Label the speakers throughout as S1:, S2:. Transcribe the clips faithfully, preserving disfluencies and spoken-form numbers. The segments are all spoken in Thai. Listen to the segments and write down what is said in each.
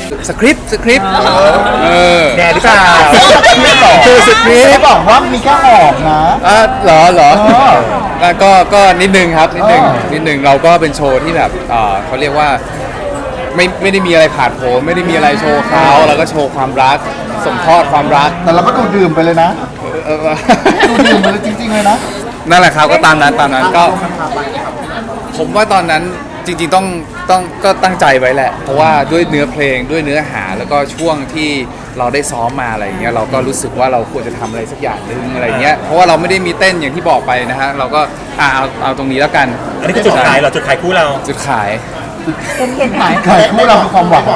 S1: สคริปต์สคริปต์เออ
S2: แดดหรือเปล่า
S1: คือสคริป
S3: เขา
S1: ต์
S3: บอกว่ามีแค่หอมนะ
S1: อ่ะเหรอเหรอ
S3: เออ
S1: แล้วก็ก็นิดนึงครับนิดนึง
S3: เออ
S1: นิดนึงเราก็เป็นโชว์ที่แบบเอ่อเขาเรียกว่าไม่ไม่ได้มีอะไรผ่านโผล่ไม่ได้มีอะไรโชว์เขาแล้วก็โชว์ความรักส่งทอดความรัก
S3: แต่เราก็ดูดื่มไปเลยนะ
S1: เออ
S3: ดูดื่มไปเลยจริงๆเลยนะ
S1: นั่นแหละครับก็ตามนั้นตามนั้นก็ผมว่าตอนนั้นจริงๆต้องต้องก็ตั้งใจไว้แหละ เพราะว่าด้วยเนื้อเพลงด้วยเนื้อหาแล้วก็ช่วงที่เราได้ซ้อมมาอะไรอย่างเงี้ยเราก็รู้สึกว่าเราควรจะทำอะไรสักอย่างหนึ่งอะไรเงี้ยเพราะว่าเราไม่ได้มีเต้นอย่างที่บอกไปนะฮะเราก็อ่าเอาเอาตรงนี้แล้วกัน
S2: อันนี้คือจุดขายเหรอจุดขายคู่เรา
S1: จุดขาย
S3: เขียนขายขายคู่เราคือความหวัง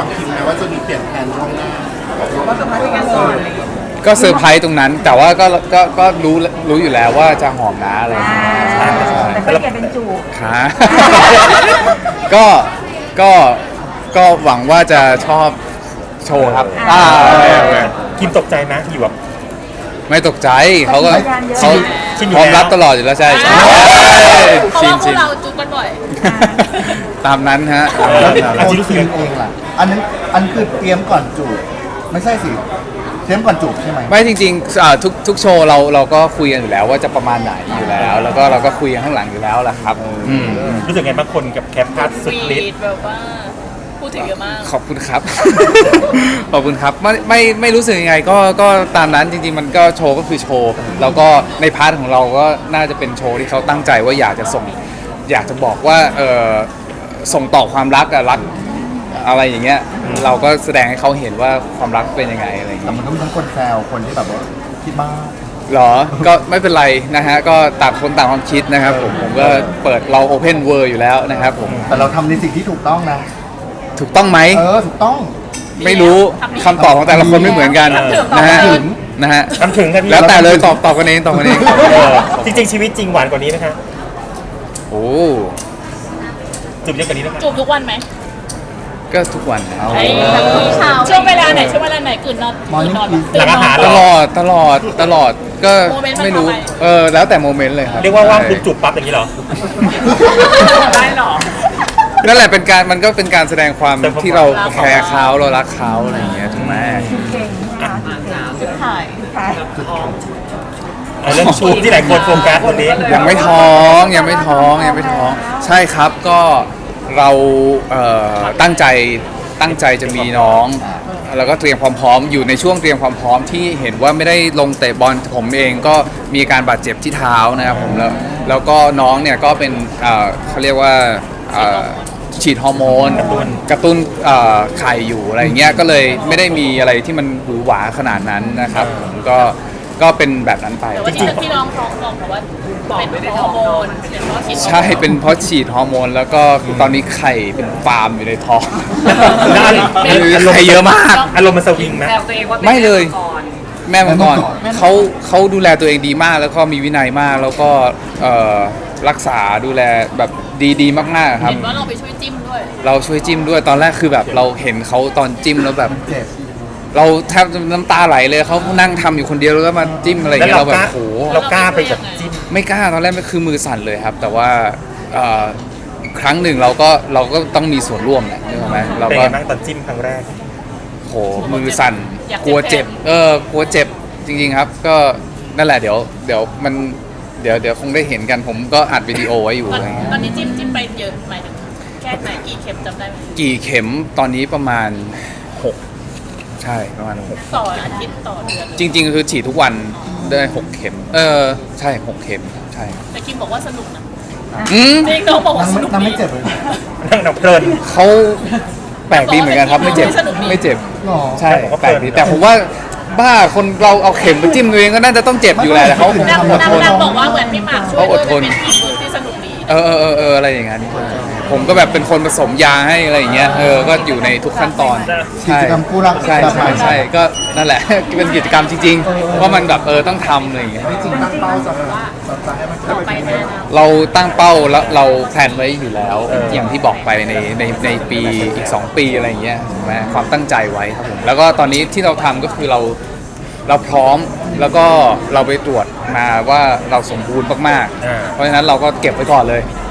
S1: ก็เซอร์ไพรส์ตรงนั้น แต่ว่าก็ก็ก็รู้รู้อยู่แล้วว่าจะหอมนะอะไรอย่างเงี้ยใช่ใช่
S4: แต่ก็เปลี่ยนเป็นจูบ
S1: ค่ะ ก็ก็ก็หวังว่าจะชอบโชว์ครับอ่าโอเคโอเค
S2: คิมตกใจไหมอยู่แบบ
S1: ไม่ตกใจเขาก็เขา
S2: ชินอยู่
S1: พร้อม
S2: แล้ว
S1: รับตลอดอยู่แล้วใช่ใช่
S5: เพราะ
S1: ชิน
S5: ว่าพว
S1: ชิ
S5: ก
S1: น
S5: เราจุกกันบ่อย
S1: ตามนั้นฮะ
S3: แล้วโอนคืนเองล่ะ อันนั้นอันคือเตรียมก่อนจูบไม่ใช่สิ เตรียมก่อนจูบใช่ไหม
S1: ไม่จริงๆอ่าทุกทุกโชว์เราเราก็คุยกันอยู่แล้วว่าจะประมาณไหนอยู่แล้ว แล้วก็เราก็คุยกันข้างหลังอยู่แล้วแหละครับอืม
S2: รู้สึกไงบางคนกับแคปทัสสุดฤทธิ์
S5: แบบว่าพูดถึงเยอะมาก
S1: ขอบคุณครับ ขอบคุณครับไม่ไม่ไม่รู้สึกยังไงก็ก็ตามนั้นจริงๆมันก็โชว์ก็คือโชว์แล้วก็ในพาร์ทของเราก็น่าจะเป็นโชว์ที่เขาตั้งใจว่าอยากจะส่ง อยากจะบอกว่าเออส่งต่อความรักอะรักอะไรอย่างเงี้ยเราก็แสดงให้เขาเห็นว่าความรักเป็นยังไงอะไรอย่าง
S3: แต่
S1: เงี้ย
S3: มันก็มีทั้งคนแซวคนที่แบบว่าคิดมาก
S1: หรอก็ไม่เป็นไรนะฮะก็ต่างคนต่างความคิดนะครับผมผมก็เปิดเรา Open World อยู่แล้วนะครับผม
S3: แต่เราทำในสิ่งที่ถูกต้องนะ
S1: ถูกต้องไหม
S3: เออถูกต้อง
S1: ไม่รู้คำตอบของแต่ละคนไม่เหมือนกันนะฮะนะฮะ
S2: ทำถึงกันพี่
S1: แล้วแต่เลยตอบตอบกันเองตอบกันเอง
S2: เออจริงๆชีวิตจริงหวานกว่านี้นะคะ
S1: โอ้
S2: จูบเยอะกว่านี้นะคะ
S5: จูบทุกวันไหม
S1: ก็ทุกวันนะ
S5: ไอ้ช่วงเวลาไหนช่วงเวลาไหนตื่นนอนตื่นนอนตื่นนอน
S1: ตลอดตลอดตลอดก็
S5: โมเมนต์มัน
S1: ไม่รู้
S5: ทำไม
S1: เออแล้วแต่โมเมนต์เลยครับ
S2: เรียกว่าว่างปุ๊บจูบปั๊บอย่างนี้เหรอ
S5: ได้หรอ
S1: นั่นแหละเป็นการมันก็เป็นการแสดงความ
S2: แต่ผม
S1: ที่เราแคร์เขาเรารักเขาอะไรอย่างเงี้ยถูกไหม
S4: เก่งนะคะเก่ง
S5: ถ่าย
S4: ขาย
S2: เอาเรื่องชูบที่หลายคนโฟกัสวันนี้
S1: ยังไม่ท้องยังไม่ท้องยังไม่ท้อง ใช่ครับก็เราเอ่อตั้งใจตั้งใจจะมีน้อง แล้วก็เตรียมความพร้อมอยู่ในช่วงเตรียมความพร้อมที่เห็นว่าไม่ได้ลงเตะบอลผมเองก็มีอาการบาดเจ็บที่เท้านะครับผมแล้วแล้วก็น้องเนี่ยก็เป็นเอ่อเขาเรียกว่าเอ่อฉีดฮอร์โมนกระตุ้นเอ่อไข่อยู่อะไรอย่างเงี้ยก็เลยไม่ได้มีอะไรที่มันหวือหวาขนาดนั้นนะครับผมก็ก็เป็นแบบนั้นไป
S5: แต่ว่าที่ที่น้องท้องท้องเพราะว่าเป็นฮอร์โมนเป็นเพราะฉีด
S1: ใช่เป็นเพราะฉีดฮอร์โมนแล้วก็ตอนนี้ไข่เป็นฟาร์มอยู่ในท้อง
S2: แล้วอารมณ์
S1: ไข่เยอะมาก
S2: อารมณ์มันสวิงไหม
S1: ไม่เลย แม่มาก่อนเขาเขาดูแลตัวเองดีมากแล้วก็มีวินัยมากแล้วก็เอ่อรักษาดูแลแบบดีๆ มากๆครับ
S5: เห็นว่าเราไปช่วยจิ้มด้วย
S1: เราช่วยจิ้มด้วยตอนแรกคือแบบเราเห็นเขาตอนจิ้มแล้วแบบ
S3: เจ็บ
S1: เราแทบจะน้ำตาไหลเลยเขานั่งทำอยู่คนเดียวแล้วก็มาจิ้มอะไรอย่าง
S2: แล้ว
S1: เงี้ย
S2: เรา
S1: เรา
S2: ก
S1: แบบ
S2: ล้า
S1: โห
S2: เรากล้าไปแบบจิ้ม
S1: ไม่กล้าตอนแรกไม่คือมือสั่นเลยครับ แต่ว่าเอ่อครั้งหนึ่งเราก็เราก็ต้องมีส่วนร่วมแหละนึกออกไหมเรา
S2: เป็น
S1: ก็
S2: ไงบ้างตอนจิ้มครั้งแรก
S1: โหมือสั่นกลัวเจ็บ เออกลัวเจ็บจริงๆครับ ก็นั่นแหละเดี๋ยวเดี๋ยวมันเดี๋ยวเดี๋ยวคงได้เห็นกันผมก็อัดวิดีโอไว้อยู่
S5: ตอน
S1: อะไรเงี้ย
S5: ตอนนี้จิ้มจิ้มไปเยอะหมายถึงแค่ไหนกี่เข็มจำได้ไหม
S1: กี่เข็มตอนนี้ประมาณหกใช่ประมาณหก
S5: ต่ออาทิตย์ต่อเดือน
S1: จริง ๆ คือฉีดทุกวันได้หกเข็ม เออใช่หกเข็มใช่
S5: แต่คิมบอกว่าสนุกนะ
S1: อืม
S5: จริงน้องบอกว่า
S3: นั่ง
S5: ส
S3: ไม่
S5: นุก
S3: นั่งไม่
S5: ดี
S3: เจ็บเลย
S2: นั่งนับเพลิน
S1: เขาแปลกดีเหมือนกันครับไม่เจ็บไม่เจ็บ
S3: หรอ
S1: ใช่แปลกดีแต่ผมว่าบ้าคนเราเอาเข็มไปจิ้มตัวเองก็น่าจะต้องเจ็บอยู่แหละแต่เขาคง
S5: นาง
S1: อด
S5: นาง
S1: ทน
S5: นางบอกว่าเหมือนพี่หมากช่วย
S1: เขาอ
S5: ด้ว
S1: ด
S5: ย
S1: ทน
S5: เป็นทีมที่สนุกดี
S1: เออเออเออเอออะไรอย่างนั้นผมก็แบบเป็นคนผสมยาให้อะไรอย่างเงี้ยเออก็อยู่ในทุกขั้นตอน
S3: กิจกรรมคู่รัก
S1: ใช่
S3: แบบ
S1: ใช่
S3: ใหม่
S1: ใช่ก็นั่นแหละ เป็นกิจกรรมจริงๆว่ามันแบบเออต้องทำอะไรอย่างเงี้ย
S3: จริงตั้งเป้าจะแบบ
S5: ต่อไปแน่นะ
S1: เราตั้งเป้าแล้วเราแพลนไว้อยู่แล้วอย่างที่บอกไปในในในปีอีกสองปีอะไรอย่างเงี้ยถูกไหมความตั้งใจไว้ครับผมแล้วก็ตอนนี้ที่เราทำก็คือเราเราพร้อมแล้วก็เราไปตรวจมาว่าเราสมบูรณ์มาก
S2: อ่า
S1: ๆเพราะฉะนั้นเราก็เก็บไว้ก่อนเลย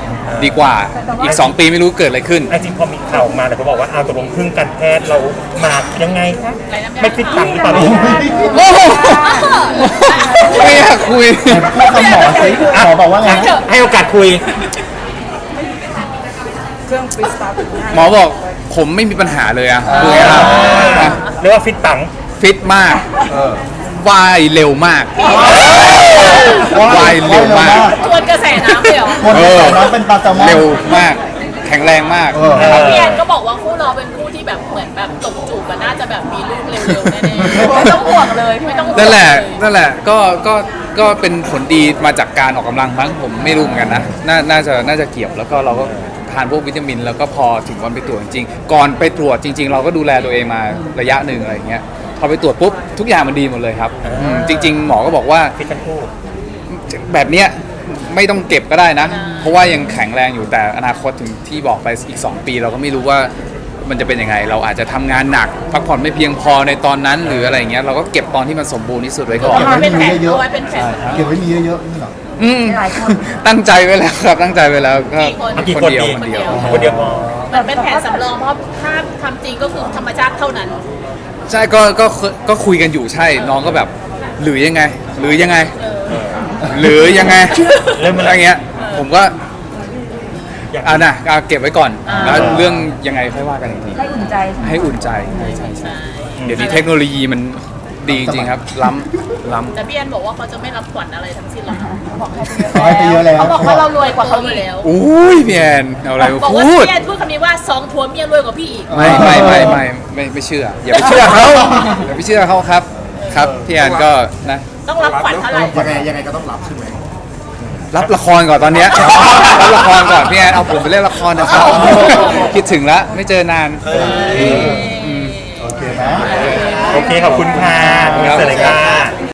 S1: ดีกว่าอีก สอง ปีไม่รู้เกิดอะไรขึ้น
S2: ไอ้จริงพอมีข่าวออกมาแต่เขาบอกว่าเอาตกลงพึ่งการแพทย์เรามายังไงคะไม่ฟิตตังหรือเปล่า
S1: โอ้โหไม่อยากคุย
S3: พูดคำหมอสิหมอบอกว่าไง
S2: ให้โอกาสคุย
S1: หมอบอกผมไม่มีปัญหาเลยอะคือไงครับนะ
S2: เรียกว่าฟิตตัง
S1: ฟิตมาก
S3: เออ
S1: ว่ายเร็วมากว่ายเร็วมาก
S5: ทวนกระแสน้ำเลยเหรอ
S3: คนที่ใส่น้องเป็นปลาแซลมอน
S1: เร็วมาก แข็งแรงมาก
S3: เออ
S5: แล้วพี่แอนก็บอกว่าคู่เราเป็นคู่ที่แบบเหมือนแบบตบจูบกันน่าจะแบบมีลูกเร็วๆแน่ๆไม่ต้องห่วงเลยไม่ต้องห่วง
S1: นั่นแหละ
S5: เย
S1: นั่นแหละ ก็ ก็ ก็เป็นผลดีมาจากการออกกำลังมั้งผมไม่รู้เหมือนกันนะ น่า น่าจะ น่าจะเกี่ยว แล้วก็เราก็ทานพวกวิตามิน แล้วก็พอถึงวันไปตรวจจริงๆ ก่อนไปตรวจจริง ๆ เราก็ดูแลตัวเองมาระยะหนึ่งอะไรอย่างเงี้ย พอไปตรวจปุ๊บทุกอย่างมันดีหมดเลยครับอืมจริง ๆ หมอก็บอกว่า
S2: ฟิตทั้งคู่
S1: แบบเนี้ยไม่ต้องเก็บก็ได้นะ เพราะว่ายังแข็งแรงอยู่แต่อนาคตถึงที่บอกไปอีก สอง ปี เราก็ไม่รู้ว่ามันจะเป็นยังไง เราอาจจะทำงานหนักพักผ่อนไม่เพียงพอในตอนนั้นหรืออะไรอย่างเงี้ยเราก็เก็บตอนที่มันสมบูรณ์ที่สุดไว้ก่อน
S5: เอาไว้เป็นแผนเอาไว้เป็นแผน
S3: เก็บไว้มีเยอะๆนี่เหรอ
S1: อืม
S4: หลายคน
S1: ตั้งใจไว้แล้วครับตั้งใจไว้แล้วก็
S5: กี่คน
S1: คนเดียว
S2: กี่
S1: ค
S2: คน
S1: นเดียว
S2: คนเดียวพอ
S5: เหมือนเป็นแผนสำรองเพราะถ้าทำจริงก็คือธรรมชาติเท่านั้น
S1: ใช่ก็ก็ก็คุยกันอยู่ใช่น้องก็แบบหรือยังไง หรือยังไง หรือยังไง
S2: เริ่ม
S1: อะ
S2: อะไร
S1: ไรเงี้ย ผมก็
S2: อยาก
S1: อ่านะเอาเก็บไว้ก่อน
S5: อ่า
S1: แล้วเรื่องยังไงค่อยว่ากันอีกที
S4: ให้อุ่นใจใช่ไหม
S1: ให้อุ่นใจใช่ใช่ใช่เดี๋ยวนี้เทคโนโลยีมันดีจริงครับ ล้ำล้ำ
S5: แต่พี่แอนบอกว่าเขาจะไม่รับขวัญอะไรทั้งสิ้นหรอกนะ
S4: บอกให้
S3: ขอให้ไปเยอะแล้ว
S5: เขาบอกว่าเรารวยกว่าเขาอยู่แล้ว
S1: อุ้ยพี่แอนเอาอะไรมา
S5: บอกว่า
S1: พูด
S5: พี่แอนพูดคำนี้ว่าสองผัวเมียรวยกว่าพี่อีก
S1: ไม่ไม่ไม่ไม่ไม่ไม่เชื่อ อย่าไปเชื่อเขาอย่าไปเชื่อเขาครับ ครับพี่แอนก็นะ
S5: ต้องรับขวัญเท่าไหร่
S3: ยังไงยังไงก็ต้องรับใช่ไหม
S1: รับละครก่อนตอนเนี้ยรับละครก่อนพี่แอนเอาผมไปเล่นละครนะครับคิดถึงแล้วไม่เจอนาน
S3: โอเคไหม
S2: โอเคขอบคุณค่ะเสร็จเลยค่ะ